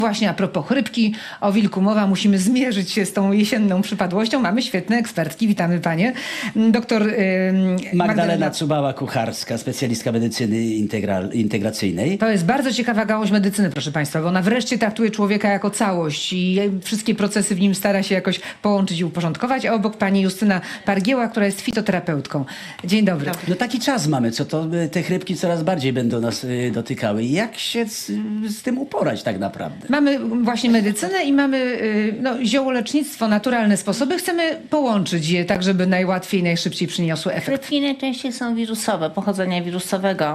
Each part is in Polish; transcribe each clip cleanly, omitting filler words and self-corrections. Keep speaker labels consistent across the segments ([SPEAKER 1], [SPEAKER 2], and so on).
[SPEAKER 1] Właśnie a propos chrypki, o wilku mowa, musimy zmierzyć się z tą jesienną przypadłością. Mamy świetne ekspertki, witamy panie. Doktor
[SPEAKER 2] Magdalena Cubała-Kucharska, specjalistka medycyny integracyjnej.
[SPEAKER 1] To jest bardzo ciekawa gałąź medycyny, proszę państwa, bo ona wreszcie traktuje człowieka jako całość i wszystkie procesy w nim stara się jakoś połączyć i uporządkować. A obok pani Justyna Pargieła, która jest fitoterapeutką. Dzień dobry.
[SPEAKER 2] No taki czas mamy, co to te chrypki coraz bardziej będą nas dotykały. Jak się z tym uporać tak naprawdę?
[SPEAKER 1] Mamy właśnie medycynę i mamy ziołolecznictwo, naturalne sposoby. Chcemy połączyć je tak, żeby najłatwiej, najszybciej przyniosły efekt.
[SPEAKER 3] Chrypki najczęściej są wirusowe, pochodzenia wirusowego.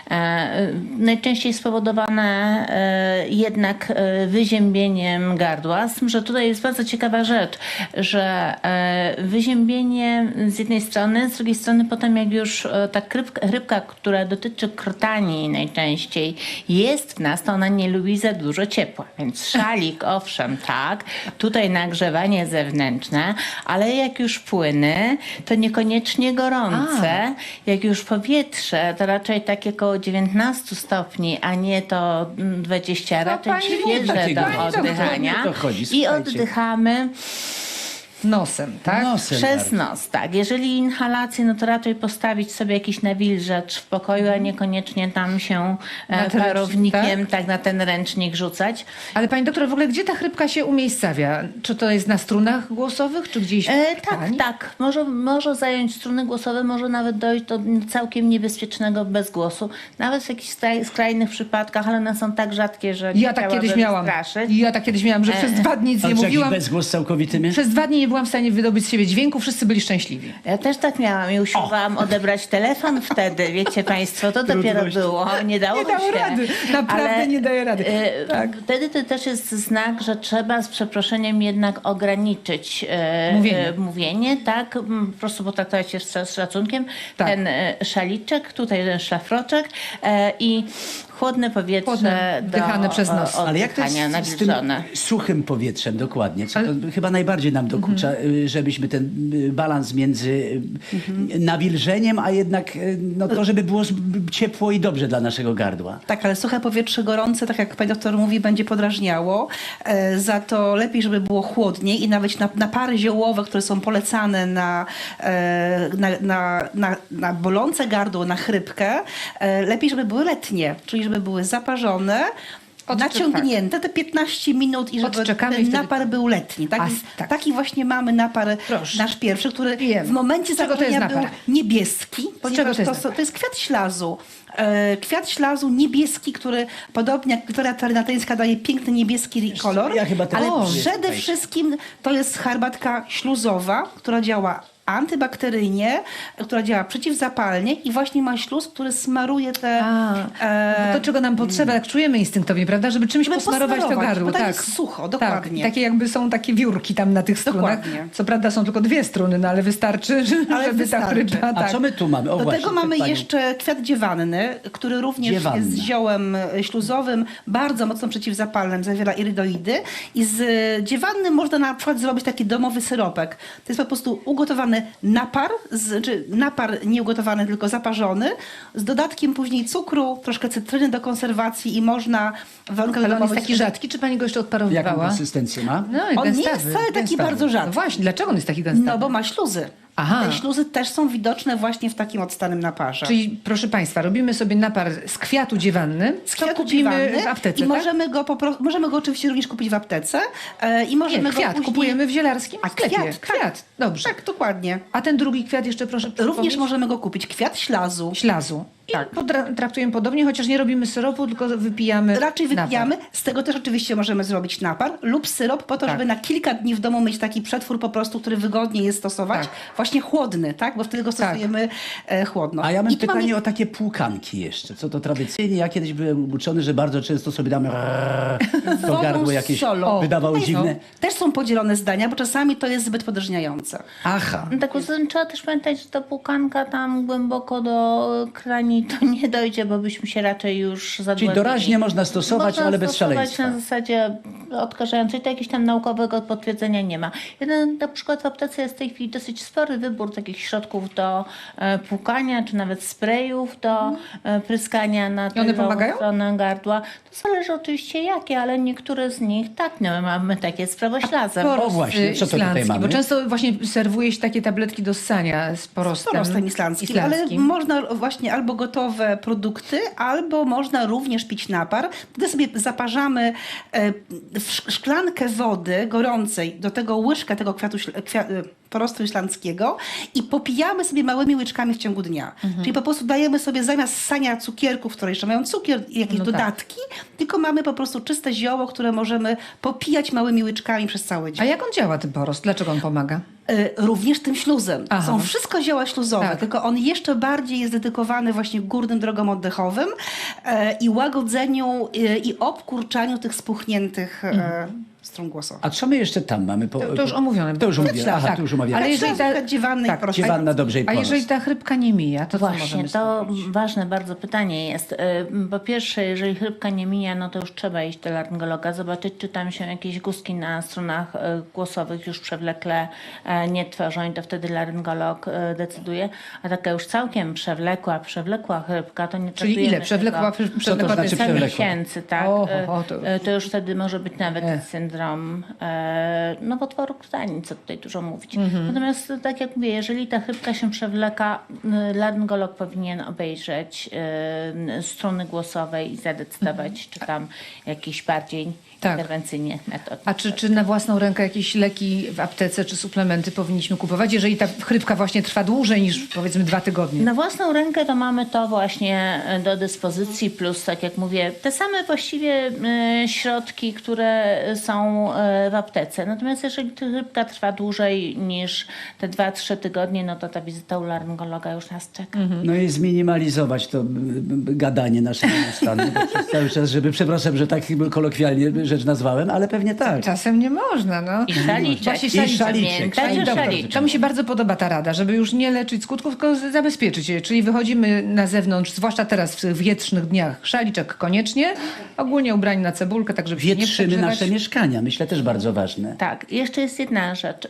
[SPEAKER 3] Najczęściej spowodowane jednak wyziębieniem gardła. Z tym, że tutaj jest bardzo ciekawa rzecz, że wyziębienie z jednej strony, z drugiej strony potem jak już ta chrypka, która dotyczy krtani najczęściej jest w nas, to ona nie lubi za dużo ciepła. Więc szalik, owszem, tak, tutaj nagrzewanie zewnętrzne, ale jak już płyny, to niekoniecznie gorące. Jak już powietrze, to raczej takie około 19 stopni, a nie to 20, raczej
[SPEAKER 1] pani
[SPEAKER 3] świeże
[SPEAKER 2] takiego
[SPEAKER 3] do
[SPEAKER 2] doktor,
[SPEAKER 3] oddychania.
[SPEAKER 2] o to chodzi,
[SPEAKER 3] I
[SPEAKER 2] słuchajcie.
[SPEAKER 3] oddychamy
[SPEAKER 1] Nosem, tak?
[SPEAKER 2] Nosem
[SPEAKER 3] przez
[SPEAKER 2] bardzo.
[SPEAKER 3] nos, tak. Jeżeli inhalację, no to raczej postawić sobie jakiś nawilżacz w pokoju, a niekoniecznie tam się
[SPEAKER 1] ręcznik,
[SPEAKER 3] parownikiem tak na ten ręcznik rzucać.
[SPEAKER 1] Ale pani doktor, w ogóle gdzie ta chrypka się umiejscawia? Czy to jest na strunach głosowych, czy gdzieś w
[SPEAKER 3] Tak,
[SPEAKER 1] tkani?
[SPEAKER 3] tak. Może zająć struny głosowe, może nawet dojść do całkiem niebezpiecznego bezgłosu. Nawet w jakichś skrajnych przypadkach, ale one są tak rzadkie, że nie
[SPEAKER 1] Ja tak kiedyś miałam.
[SPEAKER 3] straszyć.
[SPEAKER 1] Ja tak kiedyś miałam, że przez 2 dni nic
[SPEAKER 2] Ale
[SPEAKER 1] nie
[SPEAKER 2] czy jakiś
[SPEAKER 1] mówiłam.
[SPEAKER 2] bezgłos całkowity mnie?
[SPEAKER 1] Przez 2 dni nie byłam w stanie wydobyć z siebie dźwięku, wszyscy byli szczęśliwi.
[SPEAKER 3] Ja też tak miałam i usiłowałam odebrać telefon wtedy, wiecie państwo, to dopiero było, nie dało
[SPEAKER 1] Nie dało
[SPEAKER 3] się.
[SPEAKER 1] rady, naprawdę nie daje rady. Tak.
[SPEAKER 3] Wtedy to też jest znak, że trzeba z przeproszeniem jednak ograniczyć mówienie, tak, po prostu potraktować się z szacunkiem.
[SPEAKER 1] Tak.
[SPEAKER 3] Ten szaliczek, tutaj ten szlafroczek i chłodne powietrze
[SPEAKER 1] Chłodne, wdychane przez nos.
[SPEAKER 2] Ale jak to jest
[SPEAKER 3] oddychania
[SPEAKER 2] z tym
[SPEAKER 3] nawilżone.
[SPEAKER 2] suchym powietrzem dokładnie? Co to chyba najbardziej nam dokucza, żebyśmy ten balans między nawilżeniem, a jednak to, żeby było ciepło i dobrze dla naszego gardła.
[SPEAKER 4] Tak, ale suche powietrze gorące, tak jak pani doktor mówi, będzie podrażniało. Za to lepiej, żeby było chłodniej i nawet napary ziołowe, które są polecane na bolące gardło, na chrypkę, lepiej, żeby były letnie, czyli żeby były zaparzone, naciągnięte te 15 minut i żeby
[SPEAKER 1] Odczekamy i
[SPEAKER 4] ten
[SPEAKER 1] wtedy-
[SPEAKER 4] napar był letni. Tak?
[SPEAKER 1] tak.
[SPEAKER 4] Taki właśnie mamy napar,
[SPEAKER 1] Proszę.
[SPEAKER 4] nasz pierwszy, który
[SPEAKER 1] Wiem.
[SPEAKER 4] w momencie
[SPEAKER 1] Z czego to jest
[SPEAKER 4] zaparzenia był
[SPEAKER 1] napar?
[SPEAKER 4] niebieski,
[SPEAKER 1] czego
[SPEAKER 4] ponieważ
[SPEAKER 1] to jest napar?
[SPEAKER 4] to jest kwiat ślazu. Kwiat ślazu niebieski, który podobnie jak Wiktoria Tarynatyńska daje piękny niebieski kolor,
[SPEAKER 2] ja chyba też
[SPEAKER 4] ale
[SPEAKER 2] lubię,
[SPEAKER 4] przede
[SPEAKER 2] słuchajcie.
[SPEAKER 4] wszystkim to jest herbatka śluzowa, która działa antybakteryjnie, która działa przeciwzapalnie i właśnie ma śluz, który smaruje te...
[SPEAKER 1] No to czego nam potrzeba, jak czujemy instynktownie, prawda? Żeby czymś
[SPEAKER 4] Żeby
[SPEAKER 1] posmarować to
[SPEAKER 4] posmarować,
[SPEAKER 1] gardło.
[SPEAKER 4] bo tam
[SPEAKER 1] Tak,
[SPEAKER 4] jest sucho,
[SPEAKER 1] Tak.
[SPEAKER 4] dokładnie.
[SPEAKER 1] I takie jakby są takie wiórki tam na tych strunach.
[SPEAKER 4] Dokładnie.
[SPEAKER 1] Co prawda są tylko 2 struny, no ale wystarczy, żeby ta
[SPEAKER 4] wystarczy.
[SPEAKER 1] chrypka...
[SPEAKER 2] A
[SPEAKER 1] Tak.
[SPEAKER 2] co my tu mamy? O
[SPEAKER 4] Do
[SPEAKER 2] właśnie,
[SPEAKER 4] tego mamy
[SPEAKER 2] przed panią.
[SPEAKER 4] jeszcze kwiat dziewanny, który również
[SPEAKER 2] Dziewanna.
[SPEAKER 4] jest ziołem śluzowym, bardzo mocno przeciwzapalnym, zawiera irydoidy. I z dziewanny można na przykład zrobić taki domowy syropek. To jest po prostu ugotowany napar, czy napar nie ugotowany, tylko zaparzony, z dodatkiem później cukru, troszkę cytryny do konserwacji i można w warunkach
[SPEAKER 1] Ale on jest
[SPEAKER 4] domowych-
[SPEAKER 1] taki rzadki, czy pani go jeszcze
[SPEAKER 2] Jaką
[SPEAKER 1] odparowywała?
[SPEAKER 2] konsystencję ma?
[SPEAKER 1] No,
[SPEAKER 4] On nie
[SPEAKER 1] gęstawy,
[SPEAKER 4] jest wcale taki
[SPEAKER 1] gęstawy.
[SPEAKER 4] bardzo rzadki.
[SPEAKER 1] No właśnie, dlaczego on jest taki gęstawy?
[SPEAKER 4] No bo ma śluzy.
[SPEAKER 1] Aha.
[SPEAKER 4] Te śluzy też są widoczne właśnie w takim odstanym naparze.
[SPEAKER 1] Czyli proszę państwa, robimy sobie napar z kwiatu dziewanny,
[SPEAKER 4] Z
[SPEAKER 1] co
[SPEAKER 4] kwiatu
[SPEAKER 1] kupimy
[SPEAKER 4] dziewanny
[SPEAKER 1] w aptece,
[SPEAKER 4] i
[SPEAKER 1] tak?
[SPEAKER 4] możemy go oczywiście również kupić w aptece i
[SPEAKER 1] Nie,
[SPEAKER 4] możemy go
[SPEAKER 1] kwiat
[SPEAKER 4] później...
[SPEAKER 1] kupujemy w zielarskim
[SPEAKER 4] A
[SPEAKER 1] sklepie.
[SPEAKER 4] kwiat, tak.
[SPEAKER 1] Kwiat, dobrze.
[SPEAKER 4] Tak, dokładnie.
[SPEAKER 1] A ten drugi kwiat jeszcze proszę
[SPEAKER 4] Również
[SPEAKER 1] przypomnieć?
[SPEAKER 4] możemy go kupić. Kwiat ślazu.
[SPEAKER 1] Ślazu. I
[SPEAKER 4] Tak.
[SPEAKER 1] traktujemy podobnie, chociaż nie robimy syropu, tylko wypijamy
[SPEAKER 4] Raczej wypijamy.
[SPEAKER 1] napar.
[SPEAKER 4] Z tego też oczywiście możemy zrobić napar lub syrop po to,
[SPEAKER 1] Tak.
[SPEAKER 4] żeby na kilka dni w domu mieć taki przetwór po prostu, który wygodnie jest stosować.
[SPEAKER 1] Tak.
[SPEAKER 4] Właśnie chłodny, tak? Bo wtedy go stosujemy chłodno.
[SPEAKER 2] A ja mam
[SPEAKER 4] I tu
[SPEAKER 2] pytanie
[SPEAKER 4] mamy-
[SPEAKER 2] o takie płukanki jeszcze. Co to tradycyjnie? Ja kiedyś byłem uczony, że bardzo często sobie damy to
[SPEAKER 4] wodą
[SPEAKER 2] gardło
[SPEAKER 4] z
[SPEAKER 2] jakieś
[SPEAKER 4] solą.
[SPEAKER 2] wydawało
[SPEAKER 4] Tutaj
[SPEAKER 2] dziwne.
[SPEAKER 4] Też są podzielone zdania, bo czasami to jest zbyt podrażniające.
[SPEAKER 2] Aha.
[SPEAKER 3] No tak, poza tym trzeba też pamiętać, że ta płukanka tam głęboko do krani to nie dojdzie, bo byśmy się raczej już zadławili.
[SPEAKER 2] Czyli doraźnie można stosować, ale bez
[SPEAKER 3] stosować
[SPEAKER 2] szaleństwa.
[SPEAKER 3] na zasadzie odkażającej, to jakiegoś tam naukowego potwierdzenia nie ma. Jeden, na przykład w aptece jest w tej chwili dosyć spory wybór takich środków do płukania, czy nawet sprayów do pryskania na
[SPEAKER 1] I one pomagają?
[SPEAKER 3] stronę gardła. To zależy oczywiście jakie, ale niektóre z nich tak, no, mamy takie z prawoślazem.
[SPEAKER 2] O właśnie, co to tutaj
[SPEAKER 1] islandzki,
[SPEAKER 2] mamy?
[SPEAKER 1] bo często właśnie serwuje się takie tabletki do ssania z porostem,
[SPEAKER 4] Porostem islandzkim, ale można właśnie albo gotowe produkty, albo można również pić napar. Wtedy sobie zaparzamy szklankę wody gorącej, do tego łyżkę tego porostu islandzkiego i popijamy sobie małymi łyczkami w ciągu dnia. Czyli po prostu dajemy sobie zamiast ssania cukierków, które jeszcze mają cukier i jakieś
[SPEAKER 1] No tak.
[SPEAKER 4] dodatki, tylko mamy po prostu czyste zioło, które możemy popijać małymi łyczkami przez cały dzień.
[SPEAKER 1] A jak on działa, ten porost? Dlaczego on pomaga?
[SPEAKER 4] Również tym śluzem.
[SPEAKER 1] Aha.
[SPEAKER 4] Są wszystko zioła śluzowe,
[SPEAKER 1] Tak.
[SPEAKER 4] tylko on jeszcze bardziej jest dedykowany właśnie górnym drogom oddechowym i łagodzeniu i obkurczaniu tych spuchniętych strun głosowych.
[SPEAKER 2] A co my jeszcze tam mamy?
[SPEAKER 1] To już omówione.
[SPEAKER 2] To już omówione. Aha,
[SPEAKER 1] Tak.
[SPEAKER 2] to już omawiane.
[SPEAKER 1] Ale jeżeli ta,
[SPEAKER 4] dziewanny
[SPEAKER 1] tak,
[SPEAKER 4] i prosto.
[SPEAKER 2] Dziewanna dobrze i
[SPEAKER 1] a
[SPEAKER 2] ponos.
[SPEAKER 1] jeżeli ta chrypka nie mija, to co
[SPEAKER 3] Właśnie,
[SPEAKER 1] możemy
[SPEAKER 3] to
[SPEAKER 1] zrobić?
[SPEAKER 3] ważne bardzo pytanie jest. Po pierwsze, jeżeli chrypka nie mija, no to już trzeba iść do laryngologa, zobaczyć, czy tam się jakieś guzki na strunach głosowych już przewlekle nie tworzą i to wtedy laryngolog decyduje. A taka już całkiem przewlekła chrypka, to nie
[SPEAKER 1] Czyli ile?
[SPEAKER 3] traktujemy
[SPEAKER 1] Przewlekła,
[SPEAKER 3] tego.
[SPEAKER 1] przewlekła
[SPEAKER 2] znaczy
[SPEAKER 3] Kilka
[SPEAKER 2] przewlekła?
[SPEAKER 3] miesięcy, tak. To już wtedy może być nawet syndrom nowotworu krtani, co tutaj dużo mówić. Natomiast tak jak mówię, jeżeli ta chrypka się przewleka, laryngolog powinien obejrzeć struny głosowe i zadecydować, czy tam jakiś bardziej
[SPEAKER 1] Tak.
[SPEAKER 3] interwencyjnie metod.
[SPEAKER 1] A czy na własną rękę jakieś leki w aptece czy suplementy powinniśmy kupować, jeżeli ta chrypka właśnie trwa dłużej niż powiedzmy 2 tygodnie?
[SPEAKER 3] Na własną rękę to mamy to właśnie do dyspozycji, plus tak jak mówię, te same właściwie środki, które są w aptece. Natomiast jeżeli ta chrypka trwa dłużej niż te 2-3 tygodnie, no to ta wizyta u laryngologa już nas czeka.
[SPEAKER 2] No i zminimalizować to gadanie naszego stanu przez cały czas, żeby, przepraszam, że tak kolokwialnie rzecz nazwałem, ale pewnie tak.
[SPEAKER 1] Czasem nie można, no.
[SPEAKER 3] I szaliczek.
[SPEAKER 1] Właśnie
[SPEAKER 2] I szaliczek.
[SPEAKER 3] Pamiętać, że
[SPEAKER 1] Dobra,
[SPEAKER 3] szaliczek.
[SPEAKER 1] to mi się bardzo podoba ta rada, żeby już nie leczyć skutków, tylko zabezpieczyć je. Czyli wychodzimy na zewnątrz, zwłaszcza teraz w tych wietrznych dniach, szaliczek koniecznie, ogólnie ubrani na cebulkę, tak żeby się nie
[SPEAKER 2] Wietrzymy
[SPEAKER 1] przegrzewać.
[SPEAKER 2] nasze mieszkania, myślę też bardzo ważne.
[SPEAKER 3] Tak, jeszcze jest jedna rzecz.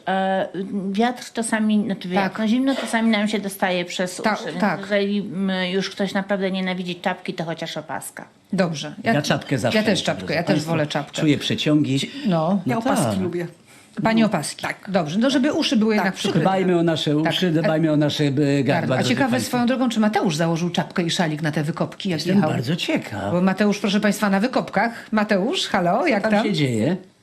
[SPEAKER 3] Wiatr czasami, znaczy wiatr,
[SPEAKER 1] Tak.
[SPEAKER 3] no zimno czasami nam się dostaje przez
[SPEAKER 1] Tak,
[SPEAKER 3] uszy. Więc
[SPEAKER 1] tak.
[SPEAKER 3] jeżeli już ktoś naprawdę nienawidzi czapki, to chociaż opaska.
[SPEAKER 1] Dobrze.
[SPEAKER 2] Ja czapkę zawsze.
[SPEAKER 1] Ja też
[SPEAKER 2] noszę,
[SPEAKER 1] czapkę,
[SPEAKER 2] drodzy
[SPEAKER 1] ja też
[SPEAKER 2] państwo.
[SPEAKER 1] wolę czapkę.
[SPEAKER 2] Czuję przeciągi.
[SPEAKER 1] No,
[SPEAKER 4] Ja opaski
[SPEAKER 2] tak.
[SPEAKER 4] lubię.
[SPEAKER 1] pani opaski. Tak. Dobrze, no żeby uszy były jednak przykryte.
[SPEAKER 2] Dbajmy o nasze uszy, dbajmy o nasze gardła.
[SPEAKER 1] A
[SPEAKER 2] drodzy
[SPEAKER 1] ciekawe
[SPEAKER 2] państwo.
[SPEAKER 1] swoją drogą, czy Mateusz założył czapkę i szalik na te wykopki, jak
[SPEAKER 2] Jestem
[SPEAKER 1] jechał?
[SPEAKER 2] bardzo ciekaw.
[SPEAKER 1] Bo Mateusz, proszę państwa, na wykopkach. Mateusz, halo, jak
[SPEAKER 2] Co
[SPEAKER 1] tam?
[SPEAKER 2] tam się dzieje?